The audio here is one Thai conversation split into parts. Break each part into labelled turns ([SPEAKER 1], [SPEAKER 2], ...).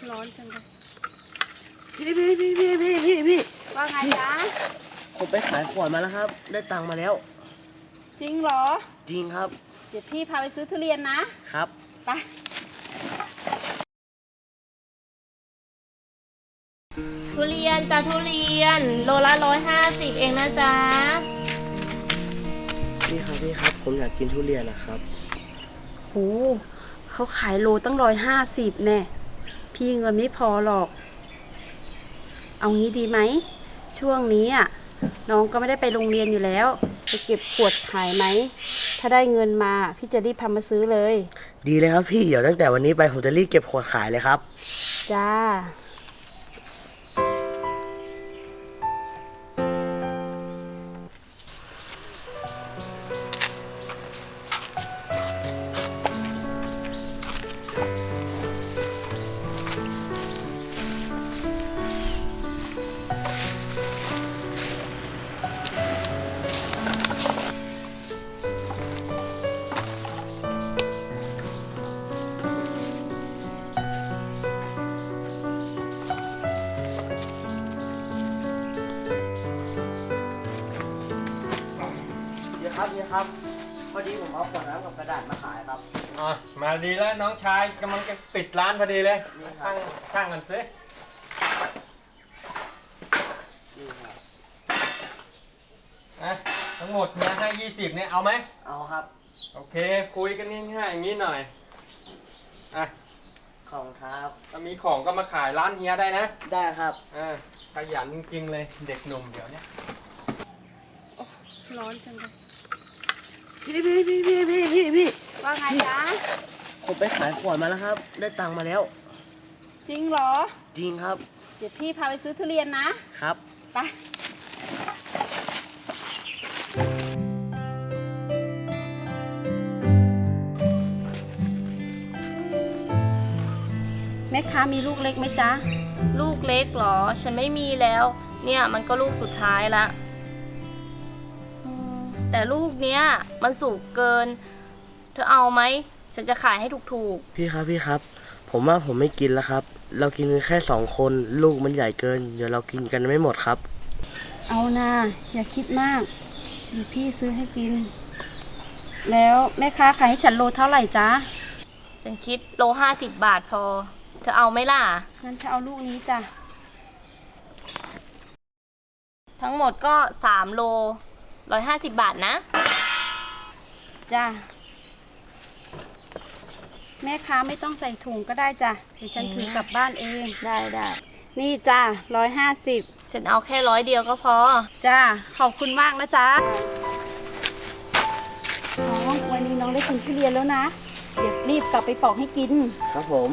[SPEAKER 1] ร้อนจังเลย
[SPEAKER 2] พี่
[SPEAKER 1] ว่าไงจ๊ะ
[SPEAKER 2] ผมไปขายขวดมาแล้วครับได้ตังค์มาแล้ว
[SPEAKER 1] จริงเหรอ
[SPEAKER 2] จริงครับ
[SPEAKER 1] เดี๋ยวพี่พาไปซื้อทุเรียนนะครับไป
[SPEAKER 3] ทุเรียนจ้าทุเรียนโลละ150เองนะจ๊ะ
[SPEAKER 2] พี่ครับผมอยากกินทุเรียนนะครับ
[SPEAKER 1] โหเขาขายโลตั้ง150แน่พี่เงินไม่พอหรอกเอางี้ดีไหมช่วงนี้อ่ะน้องก็ไม่ได้ไปโรงเรียนอยู่แล้วไปเก็บขวดขายไหมถ้าได้เงินมาพี่จะรีบพามาซื้อเลย
[SPEAKER 2] ดีเลยครับพี่เดี๋ยวตั้งแต่วันนี้ไปผมจะรีบเก็บขวดขายเลยครับ
[SPEAKER 1] จ้า
[SPEAKER 2] ครับพอดีผมเอาขวดน้ำกับกระดาษมาขายครับ
[SPEAKER 4] อ๋อมาดีแล้วน้องชายกำลังจะปิดร้านพอดีเลยช่างกันซิทั้งหมดเนี่ยให้20เนี่ยเอาไหม
[SPEAKER 2] เอาครับ
[SPEAKER 4] โอเคคุยกันง่ายๆอย่างนี้หน่อย
[SPEAKER 2] ของครับ
[SPEAKER 4] ถ้ามีของก็มาขายร้านเฮียได้นะ
[SPEAKER 2] ได้ครับ
[SPEAKER 4] ขยันจริงๆเลยเด็กหนุ่มเดี๋ยวนี้
[SPEAKER 1] ร้อนจังเลย
[SPEAKER 2] พี่
[SPEAKER 1] ว่าไงจ๊ะ
[SPEAKER 2] ผมไปขายขวดมาแล้วครับได้ตังค์มาแล้ว
[SPEAKER 1] จริงเหรอ
[SPEAKER 2] จริงครับ
[SPEAKER 1] เดี๋ยวพี่พาไปซื้อทุเรียน
[SPEAKER 2] ครับ
[SPEAKER 1] ไปแม่ค้ามีลูกเล็กไหมจ๊ะ
[SPEAKER 3] ลูกเล็กเหรอฉันไม่มีแล้วเนี่ยมันก็ลูกสุดท้ายละแต่ลูกเนี้ยมันสุกเกินเธอเอาไหมฉันจะขายให้ถูก
[SPEAKER 2] ๆพี่ครับผมว่าผมไม่กินแล้วครับเรากินกันแค่2คนลูกมันใหญ่เกินเดี๋ยวเรากินกันไม่หมดครับ
[SPEAKER 1] เอานะอย่าคิดมากเดี๋ยวพี่ซื้อให้กินแล้วแม่ค้าขายให้ฉันโลเท่าไหร่จ๊ะ
[SPEAKER 3] ฉันคิดโล50 บาทพอเธอเอาไหมล่ะ
[SPEAKER 1] งั้นจะเอาลูกนี้จ้ะ
[SPEAKER 3] ทั้งหมดก็3 โล150 บาทนะ
[SPEAKER 1] จ้ะแม่ค้าไม่ต้องใส่ถุงก็ได้จ้ะเดี๋ยวฉันถือกลับบ้านเอง
[SPEAKER 3] ได้
[SPEAKER 1] นี่จ้ะ150
[SPEAKER 3] ฉันเอาแค่100 เดียวก็พอ
[SPEAKER 1] จ้ะขอบคุณมากนะจ๊ะน้องวันนี้น้องได้กินทุเรียนแล้วนะเดี๋ยวรีบกลับไปปอกให้กิน
[SPEAKER 2] ครับผม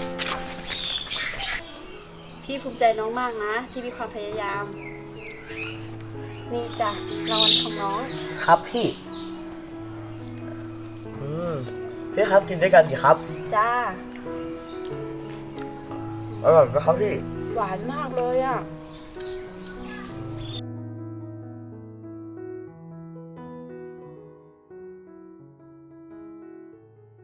[SPEAKER 1] พี่ภูมิใจน้องมากนะที่มีความพยายามนี่จ้ะรางวัลของน้อง
[SPEAKER 2] ครับพี่พี่ครับกินด้วยกันสิครับ
[SPEAKER 1] จ้า
[SPEAKER 2] อร่อยไหมครับพี่
[SPEAKER 1] หวานมากเลยอ่ะ